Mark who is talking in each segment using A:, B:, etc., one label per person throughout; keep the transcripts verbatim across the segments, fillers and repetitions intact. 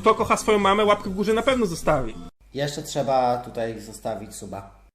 A: kto kocha swoją mamę, łapkę w górze na pewno zostawi.
B: Jeszcze trzeba tutaj zostawić suba.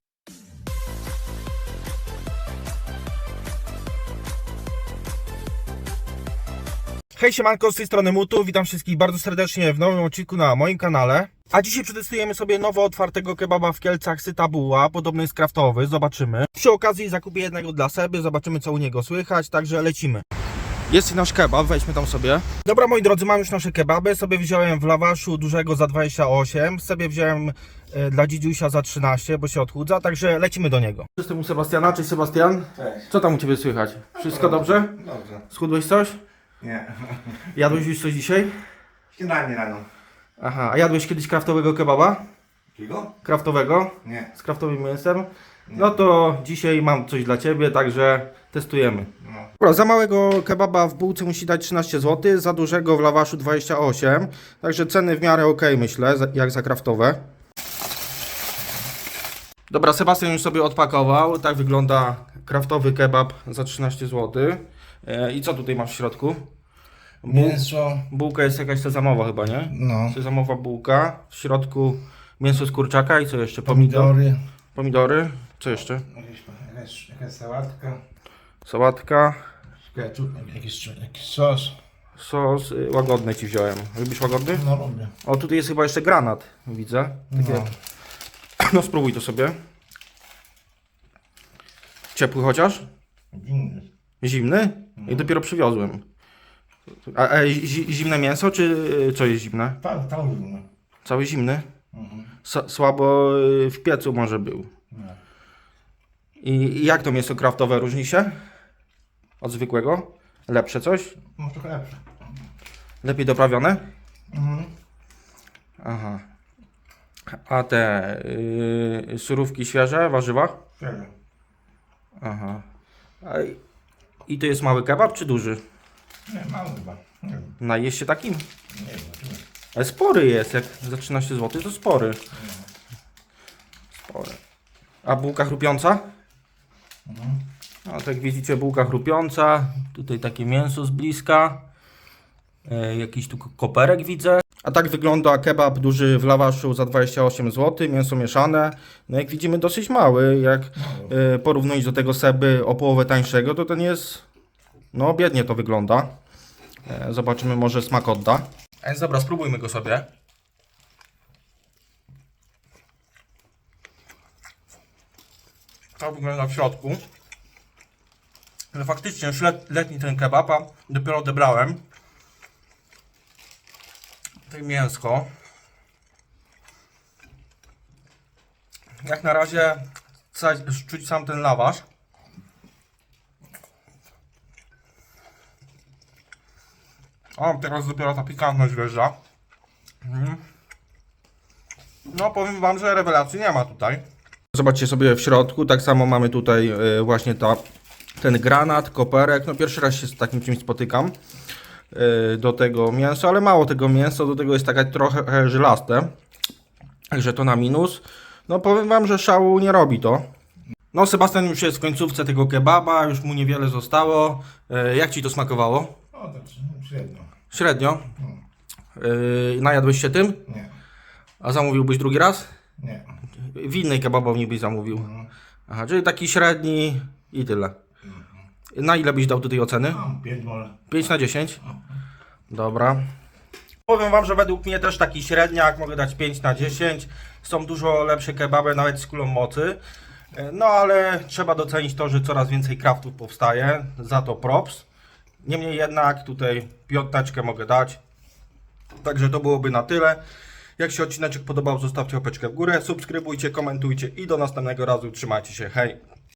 C: Hej siemanko, z tej strony Mutu, witam wszystkich bardzo serdecznie w nowym odcinku na moim kanale. A dzisiaj przetestujemy sobie nowo otwartego kebaba w Kielcach Syta Buła, podobno jest kraftowy, zobaczymy. Przy okazji zakupię jednego dla Seby, zobaczymy co u niego słychać, także lecimy. Jest i nasz kebab, weźmy tam sobie. Dobra moi drodzy, mam już nasze kebaby, sobie wziąłem w lawaszu dużego za dwadzieścia osiem, sobie wziąłem e, dla dzidziusia za trzynaście, bo się odchudza, także lecimy do niego. Jestem u Sebastiana, cześć Sebastian.
D: Cześć.
C: Co tam u Ciebie słychać? Wszystko dobrze?
D: Dobrze.
C: Schudłeś coś?
D: Nie.
C: Jadłeś już coś dzisiaj?
D: Śniadanie rano.
C: Aha, a jadłeś kiedyś kraftowego kebaba?
D: Kigo?
C: Kraftowego?
D: Nie.
C: Z kraftowym mięsem? No to dzisiaj mam coś dla Ciebie, także testujemy.
D: No.
C: Dobra, za małego kebaba w bułce musi dać trzynaście złotych, za dużego w lawaszu dwadzieścia osiem. Także ceny w miarę ok, myślę, jak za kraftowe. Dobra, Sebastian już sobie odpakował. Tak wygląda kraftowy kebab za trzynaście złotych. E, I co tutaj masz w środku?
D: Mięso.
C: Bułka jest jakaś sezamowa chyba, nie?
D: No.
C: Sezamowa bułka. W środku mięso z kurczaka i co jeszcze? Pomidor.
D: Pomidory.
C: Pomidory. Co jeszcze?
D: Jakieś, jakaś, jakaś sałatka.
C: Sałatka.
D: Ketchup. Jakiś, jakiś sos.
C: Sos. y, Łagodny Ci wziąłem. Lubisz łagodny?
D: No lubię.
C: O, tutaj jest chyba jeszcze granat. Widzę. Takie...
D: No.
C: No spróbuj to sobie. Ciepły chociaż?
D: Zimny.
C: Zimny? I dopiero przywiozłem. A, a zi, zimne mięso, czy y, co jest zimne?
D: Tam, tam zimny.
C: Cały zimny?
D: Mhm.
C: S słabo y, w piecu może był.
D: No.
C: I, I jak to mięso kraftowe różni się od zwykłego? Lepsze coś?
D: Może trochę lepsze.
C: Lepiej doprawione?
D: Mhm.
C: Aha. A te yy, surówki świeże, warzywa?
D: Serio.
C: Aha. A, i- I to jest mały kebab czy duży?
D: Nie, mało chyba. Nie wiem.
C: Najeść się takim?
D: Nie wiem. zobaczymy.
C: Ale spory jest, jak za trzynaście złotych to spory. Spory. A bułka chrupiąca?
D: Mhm.
C: No, tak jak widzicie, bułka chrupiąca. Tutaj takie mięso z bliska. E, jakiś tu koperek widzę. A tak wygląda kebab duży w lawaszu za dwadzieścia osiem złotych. Mięso mieszane. No jak widzimy dosyć mały. Jak e, porównując do tego Seby o połowę tańszego, to ten jest... No biednie to wygląda. E, zobaczymy, może smak odda. A więc dobra, spróbujmy go sobie. Tak wygląda w środku. Ale faktycznie już let, letni ten kebab, a dopiero odebrałem. Tutaj mięsko. Jak na razie ca- czuć sam ten lawasz. O, teraz dopiero ta pikantność wjeżdża. Mhm. No powiem wam, że rewelacji nie ma tutaj. Zobaczcie sobie w środku, tak samo mamy tutaj y, właśnie ta, ten granat, koperek. No pierwszy raz się z takim czymś spotykam. Y, do tego mięso, ale mało tego mięsa, do tego jest taka trochę żylaste. Także to na minus. No powiem wam, że szału nie robi to. No Sebastian już jest w końcówce tego kebaba, już mu niewiele zostało. Y, jak ci to smakowało?
D: O, tak średnio.
C: Średnio. Yy, najadłeś się tym?
D: Nie.
C: A zamówiłbyś drugi raz?
D: Nie.
C: W innej kebabowni byś zamówił.
D: Mhm.
C: Aha, czyli taki średni i tyle. Na ile byś dał tutaj oceny?
D: Mam pięć może.
C: pięć na dziesięć? Dobra. Powiem wam, że według mnie też taki średniak, mogę dać pięć na dziesięć. Są dużo lepsze kebaby, nawet z kulą mocy. Yy, No ale trzeba docenić to, że coraz więcej kraftów powstaje. Za to props. Niemniej jednak tutaj piąteczkę mogę dać. Także to byłoby na tyle. Jak się odcineczek podobał, zostawcie łapeczkę w górę, subskrybujcie, komentujcie i do następnego razu. Trzymajcie się, hej!